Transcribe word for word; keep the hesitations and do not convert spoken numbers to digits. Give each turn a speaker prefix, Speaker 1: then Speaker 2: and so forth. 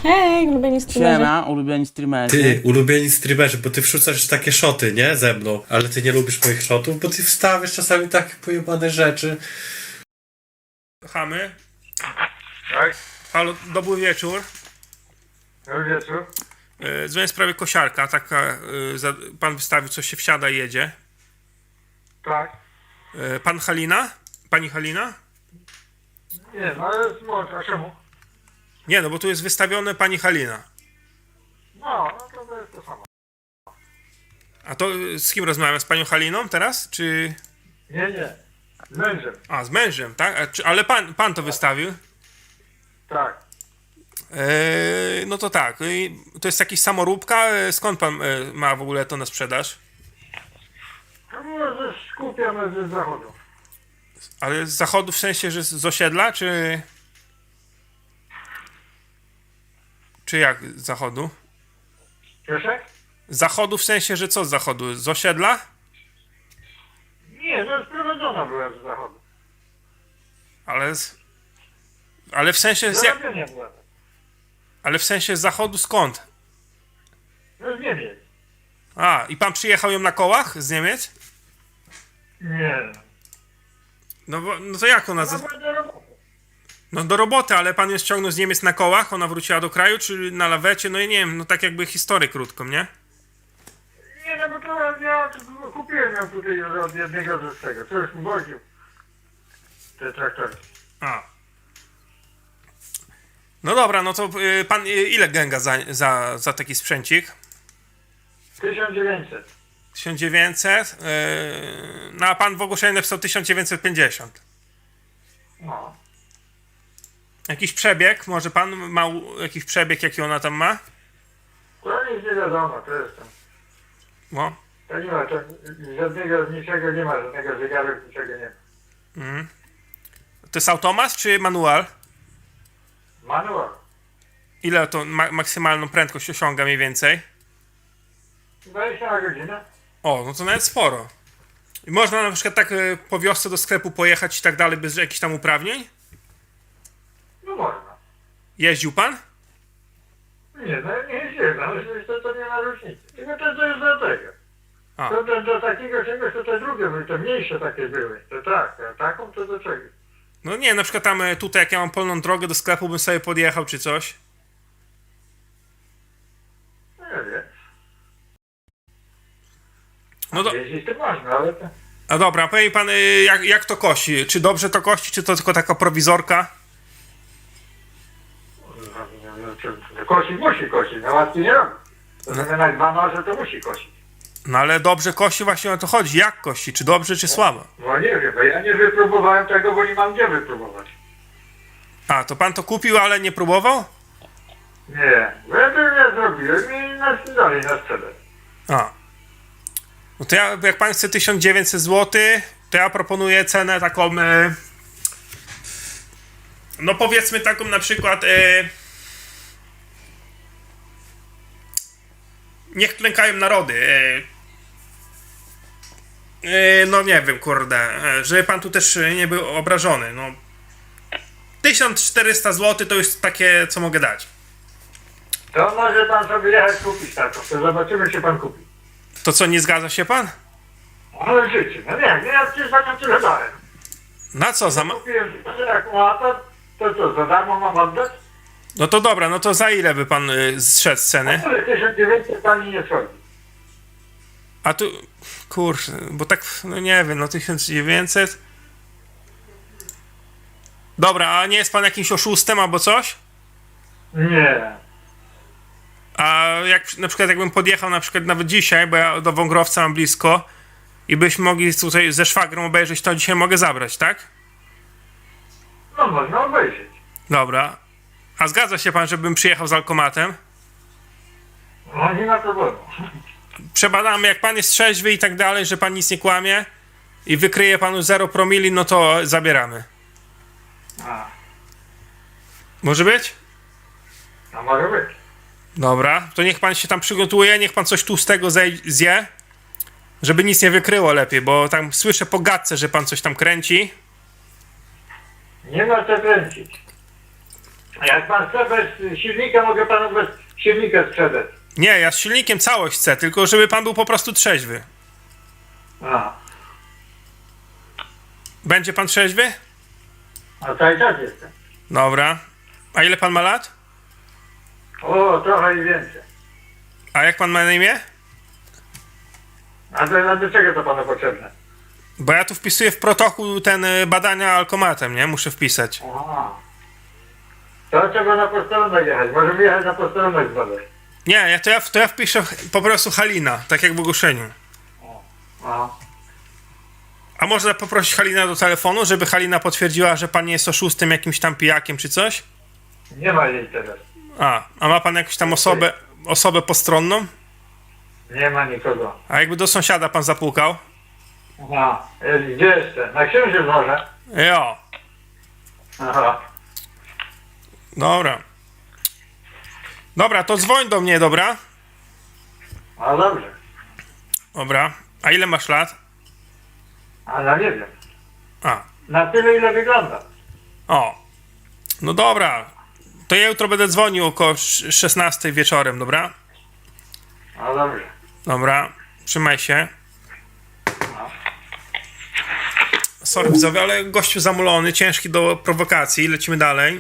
Speaker 1: Hej, ulubieni streamerzy.
Speaker 2: Siema, ulubieni streamerzy.
Speaker 3: Ty, ulubieni streamerzy, bo ty wrzucasz takie szoty, nie? Ze mną. Ale ty nie lubisz moich szotów, bo ty wstawiasz czasami takie pojebane rzeczy.
Speaker 4: Chamy.
Speaker 5: Tak,
Speaker 4: Halo, dobry wieczór.
Speaker 5: dobry wieczór.
Speaker 4: E, Dzwonię w sprawie kosiarka. Taka, e, za, pan wystawił, coś się wsiada i jedzie.
Speaker 5: Tak.
Speaker 4: E, pan Halina? Pani Halina?
Speaker 5: Nie, no ale jest może, a czemu?
Speaker 4: Nie, no bo tu jest wystawione pani Halina.
Speaker 5: No, no to, to jest to samo.
Speaker 4: A to e, z kim rozmawiam? Z panią Haliną teraz? Czy...
Speaker 5: Nie, nie. Z mężem.
Speaker 4: A, z mężem, tak? A, czy, ale pan, pan to wystawił?
Speaker 5: Tak.
Speaker 4: E, no to tak. I to jest jakiś samoróbka? E, Skąd pan e, ma w ogóle to na sprzedaż?
Speaker 5: To było ze skupione ze zachodu.
Speaker 4: Ale z zachodu w sensie, że z z osiedla, czy... Czy jak z zachodu?
Speaker 5: Proszę?
Speaker 4: Z zachodu w sensie, że co z zachodu? Z osiedla?
Speaker 5: Nie, to sprowadzona była z zachodu.
Speaker 4: Ale z... Ale w sensie z... jak-
Speaker 5: Zarabienia była.
Speaker 4: Ale w sensie z zachodu skąd?
Speaker 5: No z Niemiec.
Speaker 4: A, i pan przyjechał ją na kołach z Niemiec?
Speaker 5: Nie.
Speaker 4: No, bo, no to jak ona...
Speaker 5: No
Speaker 4: Z...
Speaker 5: była do roboty.
Speaker 4: No do roboty, ale pan ją ściągnął z Niemiec na kołach? Ona wróciła do kraju, czy na lawecie? No i nie wiem, no tak jakby historię krótką, nie?
Speaker 5: Nie, no bo to ja kupiłem ją tutaj od jednego z tego. To już mi woził. Te traktory.
Speaker 4: A. No dobra, no to y, pan y, ile gęga za, za, za taki sprzęcik?
Speaker 5: tysiąc dziewięćset.
Speaker 4: tysiąc dziewięćset? Yy, no a pan w ogłoszeniu napisał tysiąc dziewięćset pięćdziesiąt.
Speaker 5: No.
Speaker 4: Jakiś przebieg? Może pan ma u- jakiś przebieg, jaki ona tam ma?
Speaker 5: To nic nie wiadomo, to jest tam.
Speaker 4: No.
Speaker 5: To nie ma, to żadnego, niczego nie ma, żadnego zegaru, niczego nie ma.
Speaker 4: Mhm. To jest automat czy manual?
Speaker 5: Manual.
Speaker 4: Ile to ma- maksymalną prędkość osiąga mniej więcej?
Speaker 5: dwadzieścia na godzinę.
Speaker 4: O, no to nawet sporo. I można na przykład tak y, po wiosce do sklepu pojechać i tak dalej bez jakichś tam uprawnień?
Speaker 5: No można.
Speaker 4: Jeździł pan?
Speaker 5: Nie, no nie jeździłem, ale to, to nie ma różnicy. Tylko to, to jest do tego.
Speaker 4: A.
Speaker 5: To, to do takiego czegoś to te drugie były, te mniejsze takie były. To tak, a taką to do czego?
Speaker 4: No nie, na przykład tam y, tutaj jak ja mam polną drogę do sklepu bym sobie podjechał czy coś.
Speaker 5: No nie wiem.
Speaker 4: No do...
Speaker 5: Jeździć to można, ale to...
Speaker 4: A dobra, powie mi pan y, jak, jak to kosi? Czy dobrze to kości, czy to tylko taka prowizorka?
Speaker 5: No, no, no, to, to kosi musi kosić, no łatwiej nie robi. To no. Na dwa noże to musi kosić.
Speaker 4: No ale dobrze kości, właśnie o to chodzi. Jak kości? Czy dobrze, czy słabo?
Speaker 5: No nie wiem, bo ja nie wypróbowałem tego, bo nie mam gdzie wypróbować.
Speaker 4: A, to pan to kupił, ale nie próbował?
Speaker 5: Nie, bo ja to nie zrobiłem i na dalej na sprzedaż.
Speaker 4: A. No to ja, jak pan chce tysiąc dziewięćset złotych, to ja proponuję cenę taką... E, no powiedzmy taką na przykład... E, niech klękają narody. E, e, no nie wiem, kurde. E, żeby pan tu też nie był obrażony. No, tysiąc czterysta złotych to już takie, co mogę dać.
Speaker 5: To może pan sobie jechać kupić taką, to zobaczymy, czy pan kupi.
Speaker 4: To co, nie zgadza się pan?
Speaker 5: Ale życie, no nie, nie, ja przecież za nią tyle dałem.
Speaker 4: Na co? Za ma-
Speaker 5: Kupiłem, że jak ma to, to co, za darmo mam oddać?
Speaker 4: no to dobra, no to za ile by pan y, zszedł z ceny?
Speaker 5: Ale tysiąc dziewięćset pani nie schodzi.
Speaker 4: A tu, kurczę, bo tak, no nie wiem, no tysiąc dziewięćset. Dobra, a nie jest pan jakimś oszustem albo coś?
Speaker 5: Nie.
Speaker 4: A jak na przykład jakbym podjechał na przykład nawet dzisiaj, bo ja do Wągrowca mam blisko i byśmy mogli tutaj ze szwagrem obejrzeć, to dzisiaj mogę zabrać, tak?
Speaker 5: No można obejrzeć.
Speaker 4: Dobra. A zgadza się pan, żebym przyjechał z alkomatem?
Speaker 5: No nie ma problemu.
Speaker 4: Przebadamy, jak pan jest trzeźwy i tak dalej, że pan nic nie kłamie i wykryje panu zero promili, no to zabieramy.
Speaker 5: A,
Speaker 4: Może być?
Speaker 5: no może być.
Speaker 4: Dobra, to niech pan się tam przygotuje, niech pan coś tłustego zej- zje, żeby nic nie wykryło lepiej, bo tam słyszę po gadce, że pan coś tam kręci.
Speaker 5: Nie ma co kręcić. A jak pan chce bez silnika, mogę panu bez silnika sprzedać.
Speaker 4: Nie, ja z silnikiem całość chcę, tylko żeby pan był po prostu trzeźwy.
Speaker 5: A,
Speaker 4: Będzie pan trzeźwy?
Speaker 5: a cały czas jestem.
Speaker 4: Dobra. A ile pan ma lat?
Speaker 5: O, trochę i więcej.
Speaker 4: A jak pan ma na imię?
Speaker 5: A do, a do czego to panu potrzebne?
Speaker 4: Bo ja tu wpisuję w protokół ten y, badania alkomatem, nie? Muszę wpisać.
Speaker 5: Aha. To trzeba na posterunek jechać. Możemy jechać na posterunek zbadać.
Speaker 4: Nie, ja to, ja, to ja wpiszę po prostu Halina, tak jak w ogłoszeniu.
Speaker 5: Aha.
Speaker 4: A można poprosić Halina do telefonu, żeby Halina potwierdziła, że pan nie jest oszustem, jakimś tam pijakiem czy coś?
Speaker 5: Nie ma jej teraz.
Speaker 4: A, a ma pan jakąś tam osobę, osobę postronną?
Speaker 5: Nie ma nikogo.
Speaker 4: A jakby do sąsiada pan zapukał?
Speaker 5: Aha. E, Gdzie jeszcze? Na księżyc może?
Speaker 4: Jo,
Speaker 5: Aha.
Speaker 4: dobra. Dobra, to dzwoń do mnie, dobra?
Speaker 5: A dobrze.
Speaker 4: Dobra. A ile masz lat?
Speaker 5: A no nie wiem.
Speaker 4: A,
Speaker 5: Na tyle ile wygląda.
Speaker 4: o. No dobra. To ja jutro będę dzwonił około szesnastej wieczorem, dobra?
Speaker 5: A dobrze.
Speaker 4: Dobra. Trzymaj się. Sorry widzowie, ale gościu zamulony, ciężki do prowokacji. Lecimy dalej.